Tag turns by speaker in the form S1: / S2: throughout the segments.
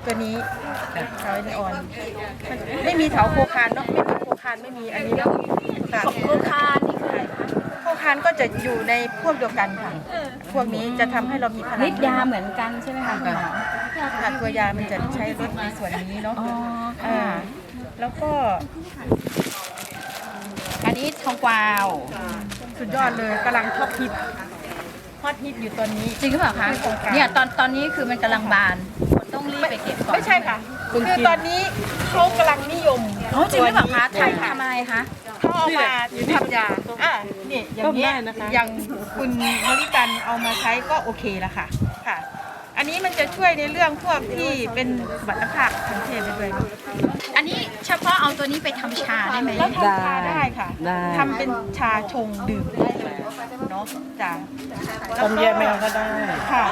S1: ตัวนี้เถาอินทอ่อนมันไม่มีเถาโคคานเนาะไม่มีโคคานไม่มีอันนี้เนาะค่ะ
S2: โคคานนี่คืออะไรคะ
S1: โคคานก็จะอยู่ในพวกเดียวกันค่ะพวกนี้จะทำให้เรามีพลัง
S2: ฤทธิ์ยาเหมือนกันใช่ไหมคะคุณหมอ
S1: ค่ะตัวยามันจะใช้ลดในส่วนนี้เนาะ
S2: อ๋อค่ะ
S1: แล้วก็
S2: อันนี้ทองกวาว
S1: สุดยอดเลยกำลังฮอตฮิตอยู่ตอนนี้
S2: จริงหรือเปล่าคะ
S1: ทองกวาว
S2: เนี่ยตอนนี้คือมันกำลังบานคนต้องรีบไปเก็บก่อน
S1: ไม่ใช่ค่ะคือตอนนี้เขากำลังนิยม
S2: อ๋อจริงหรือเปล่าคะ
S1: ใช่ค่ะ
S2: ทำอะไรคะ
S1: เขาเอามาทำยานี่อย่างนี้ยอย่างคุณมริกันเอามาใช้ก็โอเคแล้วค่ะค่ะ อันนี้มันจะช่วยในเรื่องพวกที่เป็นสมรรถภาพทางเพศได้ด้วย
S2: อันนี้เฉพาะเอาตัวนี้ไปทำชาได้ไหม
S1: แล้วทำชาได้ค่ะ
S3: ได้
S1: ทำเป็นชาชงดื่มได้เลยเนาะจ้ะ
S3: ต้มแยกแมวก็ได้
S1: ค่ะ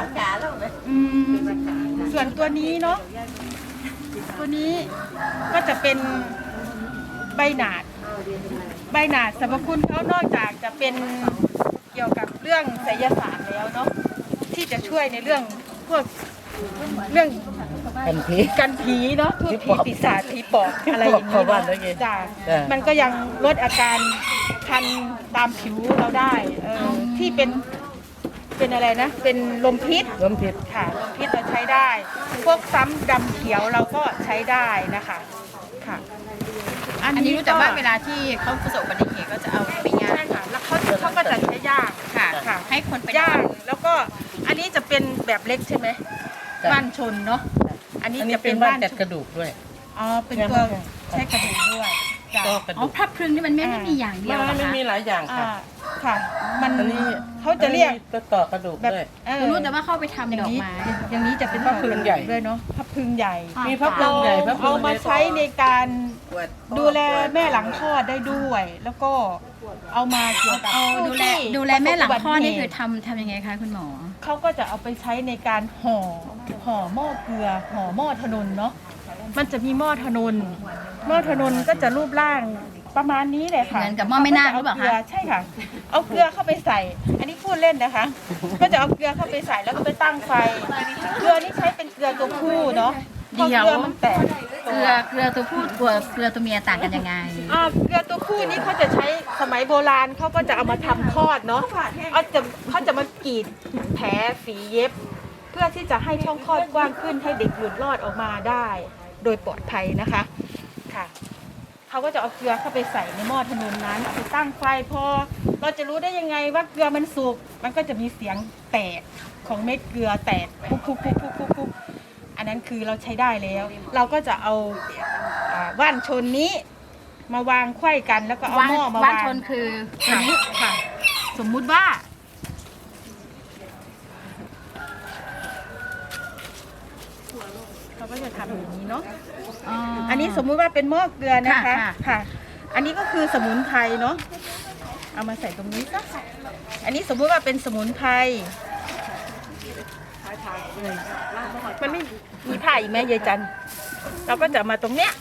S1: ส่วนตัวนี้เนาะตัวนี้ก็จะเป็นใบหนาดสรรพคุณเขานอกจากจะเป็นเกี่ยวกับเรื่องไสยศาสตร์แล้วเนาะที่จะช่วยในเรื่องพวกเรื่อง
S3: กันพี
S1: กันผีเนาะพูดผีปีศาจผีปอบอะไรอย่างนี้
S3: ผีปอบ
S1: เนาะ
S3: เข้าบ้านแล้วไง
S1: จ้ะ
S3: จ้ะ
S1: มันก็ยังลดอาการคันตามผิวเราได้ที่เป็นอะไรนะเป็นลมพิษ
S3: ล้มผิด
S1: ค่ะลมพิษเราใช้ได้ พวกซ้ำดำเขียวเราก็ใช้ได้นะคะค่ะ
S2: อันนี้รู้แต่ว่าเวลาที่เขาประสบอุบัติเหตุก็จะเอาไปย่า
S1: ใช่
S2: ง
S1: ค่ะแล้วเขาก็จะใช้ย่าง
S2: ค่ะ
S1: ค่ะ
S2: ให้คนไป
S1: ย่างแล้วก็อันนี้จะเป็นแบบเล็กใช่ไหม
S3: จ้ะ
S1: บ้านชนเนาะอันนี้
S3: อันนี้
S1: จะ
S3: เป็
S1: เป็น น
S3: บ้า
S1: บ้าน น
S3: จัด
S1: ชน
S3: กระดูกด้วย
S1: อ๋อเป็นตัวใช้กระดูกด้วยจ้ะ
S3: ก็กระ
S2: อ๋อ
S3: ดูก
S2: พระพรึงนี่มันไม่ได้มีอย่างเดียวเหรอ
S3: ไม่
S2: คะ
S3: มีหลายอย่าง
S1: อ่า
S3: ค่ะ
S1: ค่ะ มัน
S3: อันนี้
S1: เขาจะเรียก
S3: ตัวต่อกระดูก
S1: แบบ
S3: ด้วย
S2: รู้แต่ว่าเข้าไปทำ
S1: อย่าง
S2: ดอก
S1: นี้
S2: ไม้
S1: อย่างนี้จะเป็น
S3: พระพรึงใหญ่
S1: ด้วยเนาะพระพรึงใหญ่
S3: มีพระพรึงใหญ่พระพรึง
S1: เอามา
S3: เล็ก
S1: ใช้ในการดูแลแม่หลังคลอดได้ด้วย แล้วก็เอามาเกี่ยวกับ
S2: ดูแลแม่หลังคลอดนี่คือ
S1: ประสบอุบัติเหตุ
S2: ทำยังไงคะคุณหมอ
S1: เขาก็จะเอาไปใช้ในการห่อหม้อเกลือห่อหม้อถนนเนาะมันจะมีหม้อถนนก็จะรูปร่างประมาณนี้เลยค่ะ
S2: เหมือนกับหม้อแม่นาคหรือเปล่าคะ
S1: ใช่ค่ะ เอาเกลือเข้าไปใส่ อันนี้พูดเล่นนะคะ ก็จะเอาเกลือเข้าไปใส่แล้วก็ไปตั้งไฟ เกลือนี่ใช้เป็นเกลือตัวผู้เนาะพอเกลือมันแตก
S2: เกลือตัวผู้เกลือตัวเมียต่างกันยังไง
S1: เกลือตัวผู้นี่เขาจะใช้สมัยโบราณเขาก็จะเอามาทำคลอดเนาะเขาจะมากรีดแผลฝีเย็บ เพื่อที่จะให้ช่องคลอดกว้างขึ้นให้เด็กหลุดรอดออกมาได้ โดยปลอดภัยนะคะค่ะเขาก็จะเอาเกลือเข้าไปใส่ในหม้อถนนนั้นเอาไปตั้งไฟพอเราจะรู้ได้ยังไงว่าเกลือมันสุกมันก็จะมีเสียงแตกของเม็ดเกลือแตกปุ๊บอันนั้นคือเราใช้ได้แล้ว เราก็จะเอาว่านชนนี้มาวางไขว้กันแล้วก็เอาหม้อมาวาง
S2: ว่านชนคือตัวนี้
S1: ค่ะ สมมุติว่าเราก็จะทำอย่างนี้เนาะ อันนี้สมมุติว่าเป็นหม้อเกลือนะคะ ค่ะ อันนี้ก็คือสมุนไพรเนาะ เอามาใส่ตรงนี้ซะอันนี้สมมุติว่าเป็นสมุนไพร มันไม่มีผ้าอีกไหมยายจัน เราก็จะมาตรงเนี้ย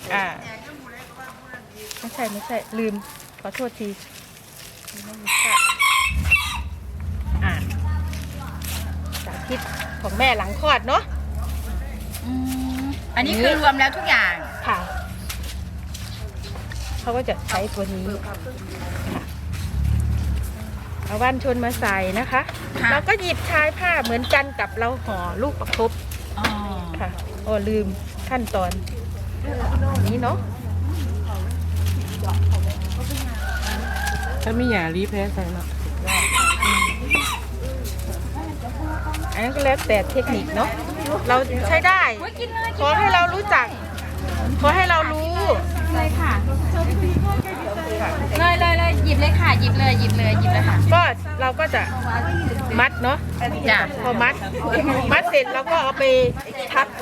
S1: ไม่ใช่ ลืม ขอโทษทีสาธิตของแม่หลังคลอดเนาะ
S2: อันนี้คือรวมแล้วทุกอย่าง
S1: ค่ะ เขาก็จะใช้ตัวนี้ค่ะเอาว่านชนมาใส่นะคะ
S2: ค่ะ
S1: เราก็หยิบชายผ้าเหมือนกันกับเราห่อลูกประคบ
S2: อ๋อ
S1: ค่ะโอ้ลืมขั้นตอนนี้เนาะ
S3: ถ้าไม่อยากรีบแพ้ใส่เนาะ
S1: อันนั้นก็แล้วแต่เทคนิคเนาะ เราใช้ได้
S2: กินเลย
S1: ขอให้เรารู้จัก ขอให้เรารู้
S2: เลยค่ะ
S1: ค่ะ
S2: เลยหยิบเลยค่ะหยิบเลยค่ะ
S1: ก็เราก็จะมัดเนาะ
S2: จ้ะ
S1: พอมัดเสร็จเราก็เอาไปทับ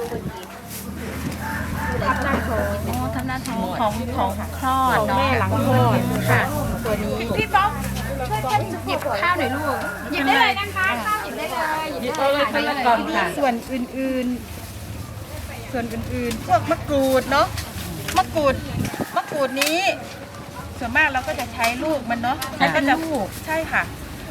S1: หน้าท้อง
S2: อ๋อทำหน้าท้องของคลอด
S1: ของ
S2: เนาะ
S1: แม่หลังคลอดค่ะ ตัวนี้
S2: พี่ป๊อกช่วยกันหยิบข้าวหน่อยลูกหยิบได้เลยนะคะข้าวหยิบได้เลยหยิบได้เลย
S3: คนละกล่องค่ะ
S1: ส่วนอื่นพวกมะกรูดเนาะมะกรูดนี้ ส่วนมากเราก็จะใช้ลูกมันเนาะแล้วก็จะใช่ค่ะ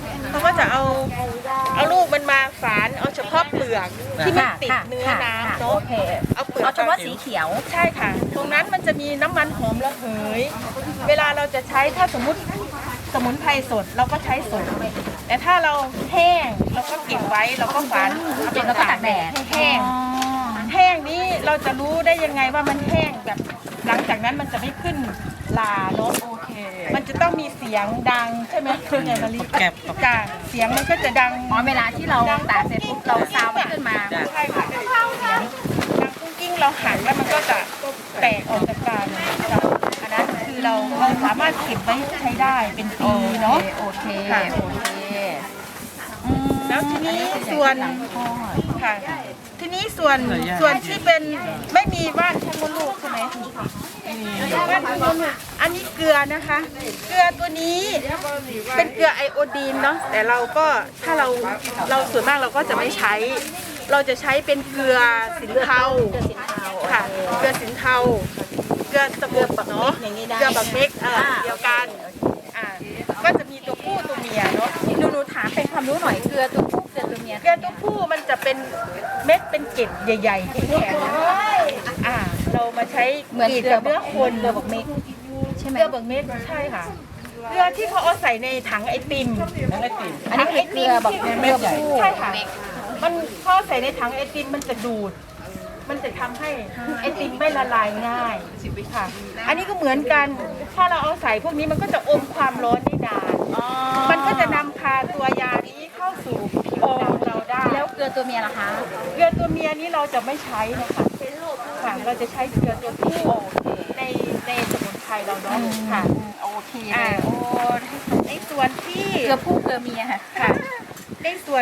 S1: เขาก็จะเอาลูกมันมาฝานเอาเฉพาะเปลือกที่มันติดเนื้อน้ำเนาะ
S2: โอเค
S1: เอาเปลือก
S2: เอาเฉพาะสีเขียว
S1: ใช่ค่ะ ตรงนั้นมันจะมีน้ำมันหอมระเหย เวลาเราจะใช้ถ้าสมมุติสมุนไพรสดเราก็ใช้สด แต่ถ้าเราแห้งเราก็เก็บไว้เราก็ฝาน
S2: เก็บแล้วก็ตากแดด
S1: ให้แห้ง แห้งนี้เราจะรู้ได้ยังไงว่ามันแห้งแบบหลังจากนั้นมันจะไม่ขึ้นลาเนาะ
S3: โอเค
S1: มันจะต้องมีเสียงดังใช่ไหมคุณยายมะลิ
S3: แกบ
S1: จ้ะเสียงมันก็จะดัง
S2: อ๋อเวลาที่เราตากเสร็จปุ๊บเราซาวมันขึ้นมา
S1: ใช่ค่ะเสียงดังกุ้งกิ้งเราหันแล้วมันก็จะแตกออกจากกันจ้ะอันนั้นคือเราสามารถเก็บไว้ใช้ได้เป็นปีเนาะ
S2: โอเค
S1: ค่ะ
S2: โอเค
S1: แล้วทีนี้ส่วนค่ะ ทีนี้ส่วนที่เป็นไม่มีว่านชักมดลูกใช่ไหมว่านชักมดลูกอันนี้เกลือนะคะ เกลือตัวนี้เป็นเกลือไอโอดีนเนาะแต่เราก็ถ้าเราส่วนมากเราก็จะไม่ใช้ เราจะใช้เป็นเกลือสินเทาค่ะเกลือสินเทาเกลือสมุนเนาะเกลือบักเม็กเดียวกันก็จะมีตัวผู้ตัวเมียเนาะ
S2: หนูถามเป็นความรู้หน่อยเกลือตัวผู้เกลือตัวเมีย
S1: เกลือตัวผู้มันจะเป็นเม็ดเป็นเกล็ดใหญ่ๆแข็งๆเรามาใช้
S2: เหมือน
S1: กรีด
S2: เกลือ
S1: กับเนื้อคน
S2: เกลือบักเม็กใช่ไหม
S1: เกลือบักเม็ดใช่ค่ะเกลือที่เขาเอาใส่ในถังไอติม
S3: นั่นไอติม
S2: อันนี้คือเกลือบักเม็ดเกลือผู้
S1: ใช่ค่ะมันเขาใส่ในถังไอติมมันจะดูด มันจะทำให้ไอติมไม่ละลายง่ายค่ะ อันนี้ก็เหมือนกันถ้าเราเอาใส่พวกนี้มันก็จะอมความร้อนได้นานมันก็จะนำพาตัวยานี้เข้าสู่ผิวหนังเราได้
S2: แล้วเกลือตัวเมียล่ะคะ
S1: เกลือตัวเมียนี้เราจะไม่ใช้นะคะค่ะเราจะใช้เกลือตัวผู้ในสมุนไพรเราเนาะค่ะ
S2: โอเค
S1: โอ้ในส่วนที่
S2: เกลือผู้เกลือเมียค่ะ
S1: ค่ะในส่วน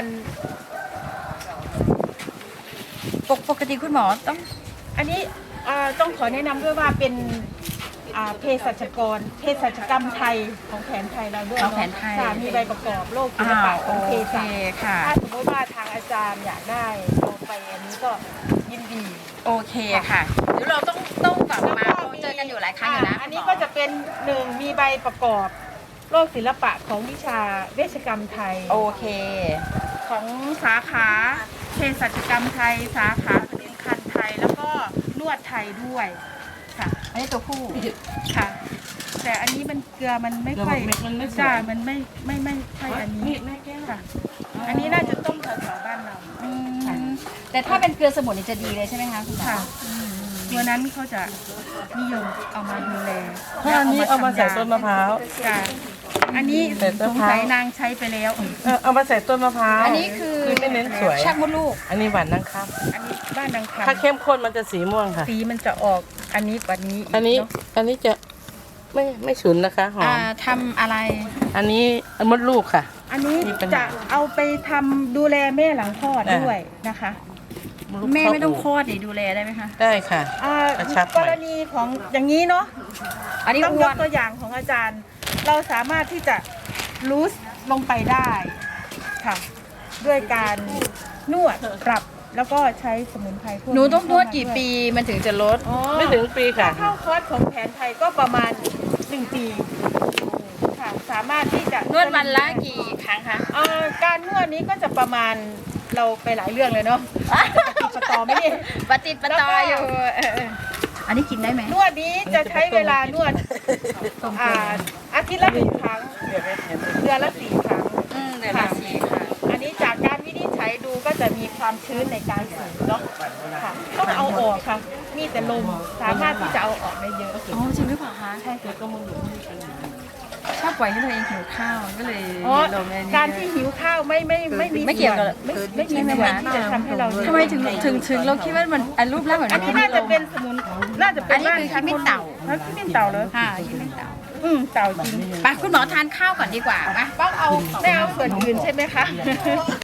S2: ปกติคุณหมอต้อง
S1: อันนี้ต้องขอแนะนำด้วยว่าเป็นเภสัชกรเภสัชกรรมไทยของแผนไทยเราด้วย
S2: ของแผนไทย
S1: ค่ะมีใบประกอบโรคศิลปะของเภสัช
S2: ค่ะ
S1: ถ้าสมมติว่าทางอาจารย์อยากได้เอาไปอันนี้ก็ยินดี
S2: โอเคค่ะเดี๋ยวเราต้องกลับมาเจอกันอยู่หลายครั้งอยู่นะ
S1: อันนี้ก็จะเป็นหนึ่งมีใบประกอบโรคศิลปะของวิชาเวชกรรมไทย
S2: โอเค
S1: ของสาขาเภสัชกรรมไทย สาขาผลิตภัณฑ์ไทยแล้วก็นวดไทยด้วยค่ะ
S2: อันนี้ตัวผู้
S1: ค่ะ แต่อันนี้มันเกลือมันไม่ค่อย
S3: มันไม่สวย
S1: จ้ามันไม่ใช่อันนี้ค่ะ อันนี้น่าจะต้มแถวๆบ้านเรา
S2: แต่ถ้าเป็นเกลือสมุนนี่จะดีเลยใช่ไหมคะคุณหมอ
S1: ค่ะตัวนั้นเขาจะนิยมเอามาดูแล
S3: ถ้าอันนี้เอามาใส่ต้นมะพร้าว
S1: จ้ะอันนี้
S3: ใส่ต้
S1: ส
S3: น
S1: ง
S3: มะพร้าว
S1: สัยนางใช้ไปแล้ว
S3: เอามาใส่ต้นมะพร้าว
S2: อันนี้คือ
S3: ไม่เน้นสวย
S2: ชักมดลูก
S3: อันนี้หวานนังครับ
S1: อันนี้บ้านนางคำ
S3: ถ้าเข้มข้นมันจะสีม่วงค่ะ
S1: สีมันจะออกอันนี้กว่านี้
S3: อันนี้
S1: เะ
S3: อันนี้จะไม่ฉุนนะคะหอม
S2: ทำอะไร
S3: อันนี้มดลูกค่ะ
S1: อันนี้
S3: มีปัญหา
S1: จะเอาไปทำดูแลแม่หลังคลอด
S3: อ่า
S1: ด้วยนะคะ
S3: ดลูก
S2: แม่ไม่ต้องค
S3: เข้า
S2: ลอดนี่ดูแลได้ไหมคะ
S3: ได้ค่ะ
S1: อ่าก
S3: ระชับหน่
S1: ก
S3: อย
S1: รณีของอย่างนี้เนาะ
S2: อันนี้
S1: ต้อง
S2: อ้
S1: ย
S2: ว
S1: ก
S2: น
S1: ตัวอย่างของอาจารย์ เราสามารถที่จะลูสลงไปได้ค่ะ ด้วยการนวดปรับแล้วก็ใช้สมุนไพรพวก
S2: หนูต้องนวดกี่
S1: เข้ามา
S2: ปีมันถึงจะลด
S1: อ๋อ
S3: ไม่ถึงปีค่ะ
S1: ถ้าเข้าคอร์สของแผนไทยก็ประมาณ1 ปีค่ะ สามารถที่จะ
S2: นวดวันละกี่ครั้งคะ
S1: การนวดนี้ก็จะประมาณเราไปหลายเรื่องเลยเนาะติดต่อไหมเนี่ย
S2: ปฏิดประต่ออยู่อันนี้กินได้ไหม
S1: นวดนี้จะใช้เวลานวดอาทิตย์ละ1 ครั้งเดือนละ 4 ครั้ง
S2: เดือนละสี่ค่ะ
S1: อันนี้จากการวินิจฉัยดูก็จะมีความชื้นในการสูงเนาะค่ะต้องเอาออกค่ะ มีแต่ลมสามารถที่จะเอาออกได้เยอะ
S2: อ๋อจริงหรือเปล่าคะใช่ชอบปล่อยให้ตัวเองหิวข้าวก็เลย
S1: อ๋อ
S2: ลงในนี้
S1: การที่หิวข้าวไม่มี
S2: ไม่เกี่ยวกับ
S1: ส่วนไม่มีส่วนที่จะทำให้เรา
S2: ทำไมถึงเราคิดว่ามันอันรูปร่างแบบ
S1: อันนี้
S2: นี้
S1: น่าจะเป็นสมุนน่าจะเป็น
S2: อันนี้คือขี้มิ้นเต่า
S1: ขี้มิ้นเต่าเลย
S2: ค่ะขี้มิ้นเต่า
S1: เต่าจริง
S2: ไปคุณหมอทานข้าวก่อนดีกว่าปะ
S1: ต้องเอาไม่เอาส่วนอื่นใช่ไหมคะ